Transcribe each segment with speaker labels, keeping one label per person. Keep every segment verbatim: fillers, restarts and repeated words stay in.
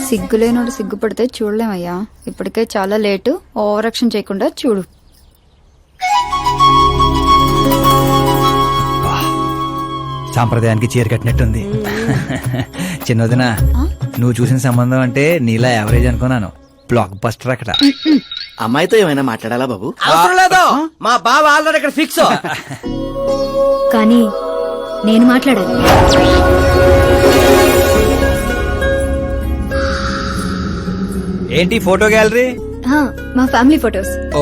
Speaker 1: సిగ్గులేనోడు సిగ్గుపడితే చూడలేమయ్యా. ఇప్పటికే చాలా late. Over action చేయకుండా చూడు.
Speaker 2: సాంప్రదాయానికి చీర కట్టినట్టుంది. చిన్నదిన నువ్వు చూసిన సంబంధం అంటే నీలా యావరేజ్ అనుకున్నాను. బ్లాక్ బస్టర్ అక్కడ.
Speaker 3: అమ్మాయితో ఏమైనా మాట్లాడాలా బాబు?
Speaker 4: అవసరం లేదు, మా బావ ఆల్రెడీ ఇక్కడ ఫిక్స్.
Speaker 5: కానీ నేను మాట్లాడాలి.
Speaker 2: ఏంటి ఫోటో గ్యాలరీ?
Speaker 5: హా, మా ఫ్యామిలీ ఫొటోస్.
Speaker 2: ఓ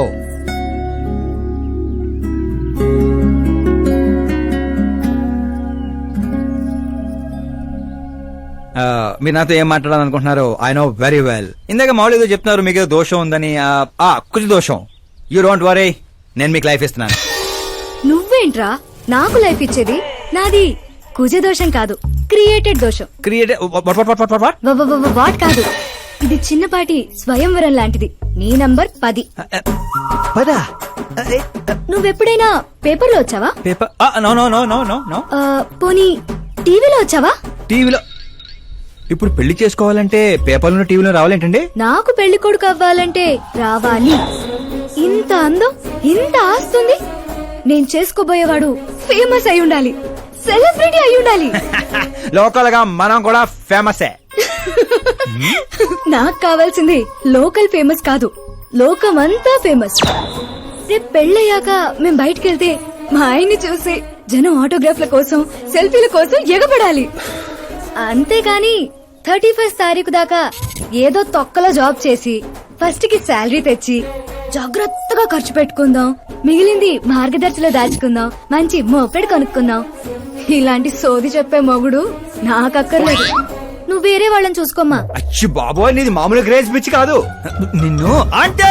Speaker 2: మీరు నాతో ఏం మాట్లాడాలనుకుంటున్నారు? I know very well. ఇందాక మామూలు ఏదో చెప్తున్నారు, మీకు ఏదో దోషం ఉందని. కుజ దోషం. యూ డోంట్ వరీ, నేను మీకు లైఫ్ ఇస్తున్నాను.
Speaker 5: నువ్వేంట్రా నాకు లైఫ్ ఇచ్చేది? నాది కుజ దోషం కాదు, క్రియేటెడ్ దోషం.
Speaker 2: క్రియేట్
Speaker 5: వాట్ కాదు, ఇది చిన్నపాటి స్వయంవరం లాంటిది. నీ నంబర్ పది.
Speaker 2: పదా?
Speaker 5: నువ్వెప్పుడైనా పేపర్లో వచ్చావా?
Speaker 2: Paper? No no no no no no.
Speaker 5: పోనీ టీవీలో వచ్చావా?
Speaker 2: టీవీలో? ఇప్పుడు పెళ్లి చేసుకోవాలంటే పేపర్లో టీవీలో రావాలేంటండి?
Speaker 5: నాకు పెళ్లి కొడుకు అవ్వాలంటే రావాలి. ఇంత అందం, ఇంత ఆస్తుంది. నేను చేసుకోబోయేవాడు ఫేమస్ అయి ఉండాలి, సెలబ్రిటీ అయి ఉండాలి.
Speaker 2: లోకల్ గా మనం కూడా ఫేమసే.
Speaker 5: నాకు కావాల్సింది లోకల్ ఫేమస్ కాదు, లోకమంతా ఫేమస్. రేపు పెళ్ళయ్యాక మేం బయటకెళ్తే మా ఆయన్ని చూసి జనం ఆటోగ్రాఫ్ల కోసం, సెల్ఫీల కోసం ఎగబడాలి. అంతేగాని థర్టీ ఫస్ట్ తారీఖు దాకా ఏదో తొక్కలో జాబ్ చేసి ఫస్ట్ కి శాలరీ తెచ్చి జాగ్రత్తగా ఖర్చు పెట్టుకుందాం, మిగిలింది మార్గదర్శిలో దాచుకుందాం, మంచి మోపెడు కొనుక్కుందాం. ఇలాంటి సోది చెప్పే మొగుడు నాకక్కర్లేదు. నువ్వు వేరే వాళ్ళని చూసుకోమ్మా.
Speaker 2: అచ్చి బాబోయ్, నీది మామూలు గ్రేజ్ పిచ్చి కాదు. నిన్ను అంటే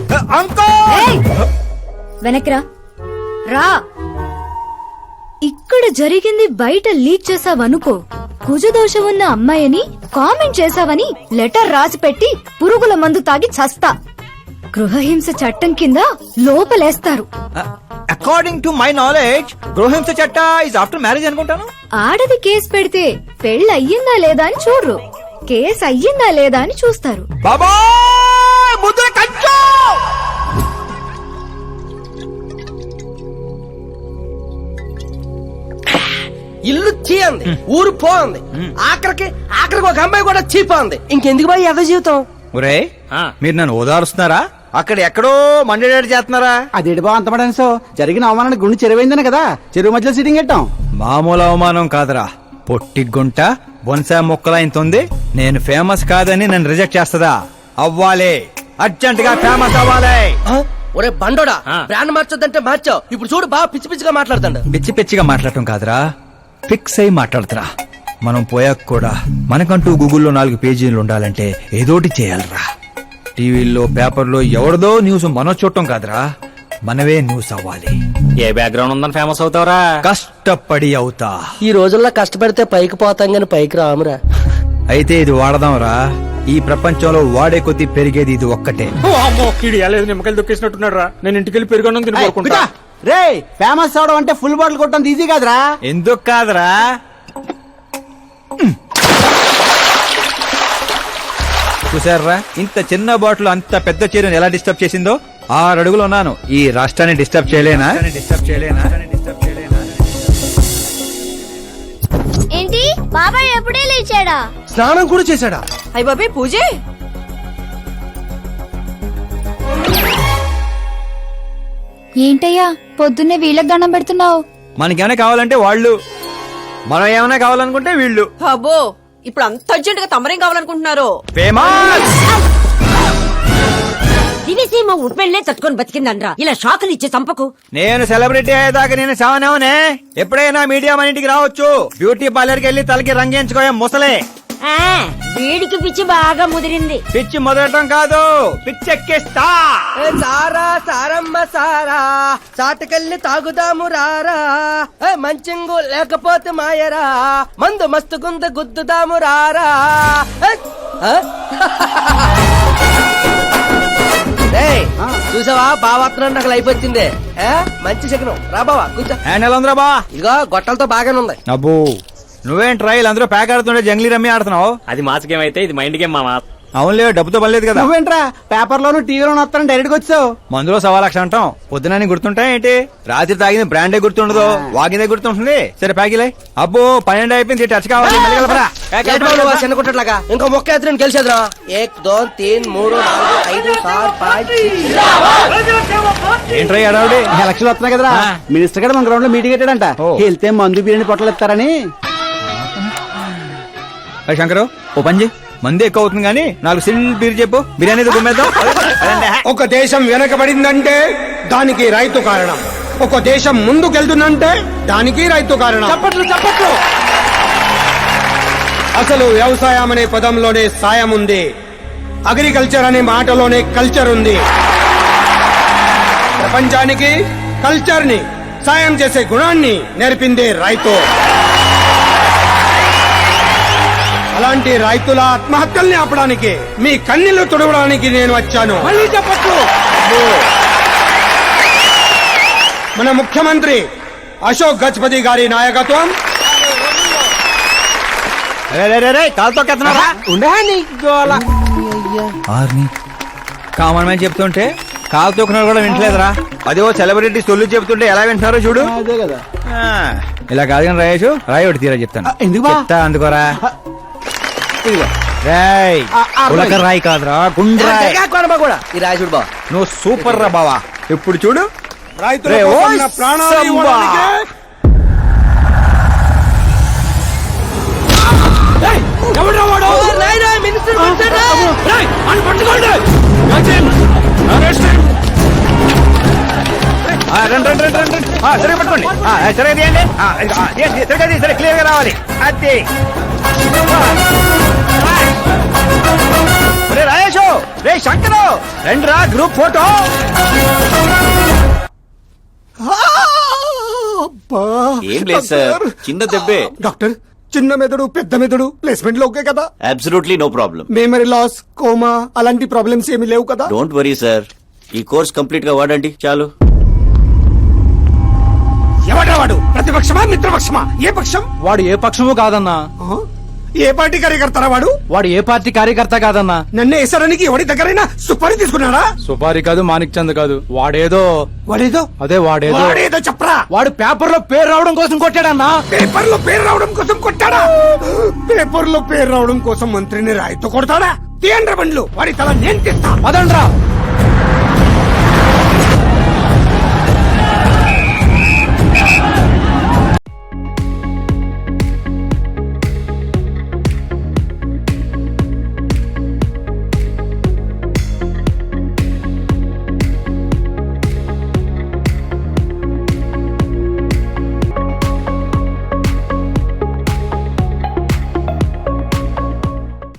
Speaker 5: వెనక్రా రా. ఇక్కడ జరిగింది బయట లీక్ చేసావనుకో, కుజదోషం ఉన్న అమ్మాయిని కామెంట్ చేసావని లెటర్ రాసి పెట్టి పురుగుల మందు తాగి చస్తా. గృహహింస చట్టం కింద లోపలేస్తారు.
Speaker 2: అకార్డింగ్ టు మై నాలెడ్జ్ గృహహింస చట్ట ఇస్ ఆఫ్టర్ మ్యారేజ్ అనుకుంటాను.
Speaker 5: ఆడది కేసు పెడితే పెళ్లి అయ్యిందా లేదా అని చూడరు, కేసు అయ్యిందా లేదా అని చూస్తారు.
Speaker 2: బాబా ముద్ర కంచు.
Speaker 4: ఇల్లు చీ అంది, ఊరు పో అంది, ఆఖరికి ఆఖరికి ఒక అమ్మాయి కూడా చీపా అంది. ఇంకెందుకు బాయ్ ఎద జీవితం?
Speaker 2: ఒరే, మీరు నన్ను ఓదారుస్తున్నారా? అక్కడ ఎక్కడో మండేడాడు చేస్తున్నారా?
Speaker 3: అదేడు బా అంత పడాను. సో జరిగిన అవమానానికి గుండె చెరువైందనే కదా చెరువు మధ్యలో సిట్టింగ్ పెట్టాం.
Speaker 2: మామూలు అవమానం కాదురా, పొట్టి గుంట బొన్సా మొక్కలా ఇంతుంది. నేను ఫేమస్ కాదని నన్ను రిజెక్ట్ చేస్తదా? అవ్వాలి, అర్జెంట్ గా ఫేమస్ అవ్వాలి.
Speaker 4: ఒరే బండోడా, బ్రాండ్ మార్చొద్దంటే మార్చావు. ఇప్పుడు చూడు బాగా పిచ్చి పిచ్చిగా మాట్లాడుతాడు.
Speaker 2: పిచ్చి పిచ్చిగా మాట్లాడటం కాదురా, ఫిక్స్ అయి మాట్లాడుతురా. మనం పోయాక కూడా మనకంటూ గూగుల్లో నాలుగు పేజీలు ఉండాలంటే ఏదోటి చేయాలరా. టీవీల్లో పేపర్లో ఎవరిదో న్యూస్ మనం చూడటం కాదురా, మనవే న్యూస్ అవ్వాలి.
Speaker 6: ఏ బ్యాక్గ్రౌండ్ ఉందని ఫేమస్ అవుతావురా?
Speaker 2: కష్టపడి అవుతా.
Speaker 4: ఈ రోజుల్లో కష్టపడితే పైకి పోతాం గాని పైకి రామురా.
Speaker 2: అయితే ఇది వాడదాంరా. ఈ ప్రపంచంలో వాడే కొద్దీ పెరిగేది ఇది ఒక్కటే.
Speaker 6: నిమ్మకాయలు దొక్కేసినట్టున్నాడు రా. నేను ఇంటికి వెళ్ళి పెరుగొన్నం తిని కోరుకుంటా.
Speaker 3: రే, ఫేమస్ అవడం అంటే ఫుల్ బాటిల్ కొట్టడం ఈజీ కాదురా.
Speaker 2: ఎందుకు కాదురా? చూసారా, ఇంత చిన్న బాటిల్ అంత పెద్ద చీరను ఎలా డిస్టర్బ్ చేసిందో. ఆరు అడుగులు ఉన్నాను, ఈ రాష్ట్రాన్ని డిస్టర్బ్ చేయలేనా? డిస్టర్బ్ చేయలేనా?
Speaker 7: ఏంటి బాబాయ్ ఎప్పుడే లేచాడా?
Speaker 4: స్నానం కూడా చేశాడా?
Speaker 8: అయ్య బాబాయ్ పూజే.
Speaker 1: ఏంటయ్యా పొద్దున్నే వీళ్ళకి దండం పెడుతున్నావు?
Speaker 2: మనకేమైనా కావాలంటే వాళ్ళు, మనం ఏమైనా కావాలనుకుంటే వీళ్ళు.
Speaker 8: అబ్బో, ఇప్పుడు అంత అర్జెంట్ గా తమరేం కావాలనుకుంటున్నారు?
Speaker 2: ఫేమస్.
Speaker 8: దివిసీమ ఉప్పెళ్లే తట్టుకొని బతికిందనరా, ఇలా షాకులు ఇచ్చే చంపకు.
Speaker 2: నేను సెలబ్రిటీ అయ్యేదాకా నేను సావనేవనే. ఎప్పుడైనా మీడియా మన ఇంటికి రావచ్చు. బ్యూటీ పార్లర్ కి వెళ్లి తలకి రంగేయించుకోయా ముసలే.
Speaker 8: వీడికి పిచ్చి బాగా ముదిరింది.
Speaker 2: పిచ్చి మొదలటం కాదు, పిచ్చెక్కిస్తా.
Speaker 4: సారా సారమ్మ సారా, చాటుకెళ్ళి తాగుదాము రారా. మంచింగు లేకపోతే మాయరా, మందు మస్తు గుంద గుద్దుదాము రారా. చూసావా బావాత్రం నాకు లైఫ్ వచ్చింది. మంచి శకనం రా బావా కూర్చో.
Speaker 2: హ్యాండ్ ఎలా ఉందిరా బా?
Speaker 4: ఇదిగో గొట్టలతో బాగానే ఉంది.
Speaker 2: అబ్బో నువ్వేం ట్రైల్ అందరూ ప్యాక్ ఆడుతుండే జంగ్లీ రమ్మి ఆడుతున్నావు.
Speaker 6: అది మాస్ గేమ్ అయితే ఇది మైండ్ గేమ్ మామా.
Speaker 2: అవునులే, డబ్బుతో పనిలేదు కదా.
Speaker 3: నువ్వేంట్రా పేపర్ లోను టీవీలోను వస్తాను డైరెక్ట్ గా వచ్చావు.
Speaker 2: మందులో సవా లక్ష అంటాం, పొద్దునని గుర్తుంటాయి ఏంటి? రాత్రి తాగింది బ్రాండే గుర్తుండదు, వాగిందే గుర్తుంటుంది. సరే ప్యాకిలే. అబ్బో పన్నెండు అయిపోయింది, టచ్ కావాలి. మెల్లిగా వెళ్ళరా.
Speaker 4: ఏంటి బాబు నువ్వు చిన్న కుట్టట్లాగా ఇంకో మొక్క ఎత్తుని గెలిచేద్రా. ఏక్ దో తీన్ మూడు నాలుగు ఐదు ఆరు పాంచ్
Speaker 2: ఏంట్రై అడావుడి?
Speaker 3: ఎలక్షన్లు వస్తున్నాయి కదరా, మినిస్టర్ గారు మన గ్రౌండ్ లో మీటింగ్ పెట్టాడంట.
Speaker 2: ఓ.
Speaker 3: వెళ్తే మందు బిర్యానీ పొట్టలు ఇస్తారని.
Speaker 2: అరే శంకరు, ఓ పంజి మంది ఎక్కువ అవుతుంది కానీ నాలుగు సిల్ బీర్ చెప్పు, బిర్యానీ గుమ్మేద్దాం.
Speaker 9: ఒక దేశం వెనకబడిందంటే దానికి రైతు కారణం. ఒక దేశం ముందుకెళ్తుందంటే దానికి రైతు కారణం.
Speaker 4: చప్పట్లు చప్పట్లు.
Speaker 9: అసలు వ్యవసాయం అనే పదంలోనే సాయం ఉంది, అగ్రికల్చర్ అనే మాటలోనే కల్చర్ ఉంది. ప్రపంచానికి కల్చర్ ని, సాయం చేసే గుణాన్ని నేర్పిందే రైతు. అలాంటి రైతుల ఆత్మహత్యల్ని ఆపడానికి, మీ కన్నీళ్లు తుడవడానికి నేను వచ్చాను.
Speaker 4: మళ్ళీ చప్పట్లు.
Speaker 9: మన ముఖ్యమంత్రి అశోక్ గజపతి గారి నాయకత్వం,
Speaker 2: కాలుతో కెత్తనారా? ఆర్ని కామన్ మ్యాన్ చెప్తుంటే కాలు తొక్కున్నారు కూడా వింటలేదురా. అదే సెలబ్రిటీ సొల్లు చెప్తుంటే ఎలా వింటున్నారో చూడు.
Speaker 3: అదే కదా.
Speaker 2: ఆ, ఇలా కాదు కానీ రాయేషు, రాయి ఒకటి తీరా చెప్తాను.
Speaker 3: ఆ, ఎందుకు బా?
Speaker 2: చెప్తా అందుకోరా.
Speaker 3: ఇదిగో.
Speaker 2: రాయ్
Speaker 3: ఆ, ఆ,
Speaker 2: ఉలక రాయి కాదురా, గుండ్రాయ్.
Speaker 4: కూడా ఈ రాజుడు బా
Speaker 2: నువ్వు సూపర్ రా బావా. ఇప్పుడు చూడు.
Speaker 9: రైతుల
Speaker 2: రే,
Speaker 9: కోసం
Speaker 2: ఓయ్
Speaker 9: నా ప్రాణాలు
Speaker 2: సంబా.
Speaker 9: ఇవ్వడానికే
Speaker 4: మినిస్టర్ వచ్చాడా?
Speaker 2: ఆ, రండి రండి రండి రండి. ఆ, సరిగ్గా పట్టుకోండి. ఆ, సరిగ్గా తీయండి. ఆ, ఇదిగో, ఆ, తీయండి, సరిగ్గా తీయండి, సరే క్లియర్ గా రావాలి. అది రే రాయేషు, రే శంకరు, రండి రా గ్రూప్ ఫోటో.
Speaker 10: ఏం లేదు సార్, చిన్న దెబ్బే.
Speaker 9: డాక్టర్, చిన్న మెదడు పెద్ద మెదడు ప్లేస్మెంట్ లో ఓకే కదా?
Speaker 10: Absolutely no problem.
Speaker 9: Memory loss, coma అలాంటి ప్రాబ్లమ్స్ ఏమీ లేవు కదా?
Speaker 10: డోంట్ వరీ సార్, ఈ కోర్స్ కంప్లీట్ గా వాడండి చాలు.
Speaker 9: ఎవడా వాడు? ప్రతిపక్షమా మిత్రపక్షమా? ఏ పక్షం?
Speaker 3: వాడు ఏ పక్షము కాదన్నా.
Speaker 9: ఆ? ఏ పార్టీ కార్యకర్తారా వాడు?
Speaker 3: వాడు ఏ పార్టీ కార్యకర్త కాదన్నా.
Speaker 9: నన్ను వేసడానికి ఎవరి దగ్గరైనా సుపారీ తీసుకున్నాడా?
Speaker 3: సుపారి కాదు, మాణిక్ చంద్ కాదు. వాడేదో
Speaker 9: వాడేదో
Speaker 3: అదే వాడేదో
Speaker 9: వాడేదో చెప్పరా.
Speaker 3: వాడు పేపర్ లో పేరు రావడం కోసం కొట్టాడన్నా.
Speaker 9: పేపర్ లో పేరు రావడం కోసం కొట్టాడా? పేపర్ లో పేరు రావడం కోసం మంత్రిని రాయితో కొడతాడా? తీయండ్ర బండ్లు, వాడి తల నేను తీస్తా.
Speaker 3: అదండ్రా.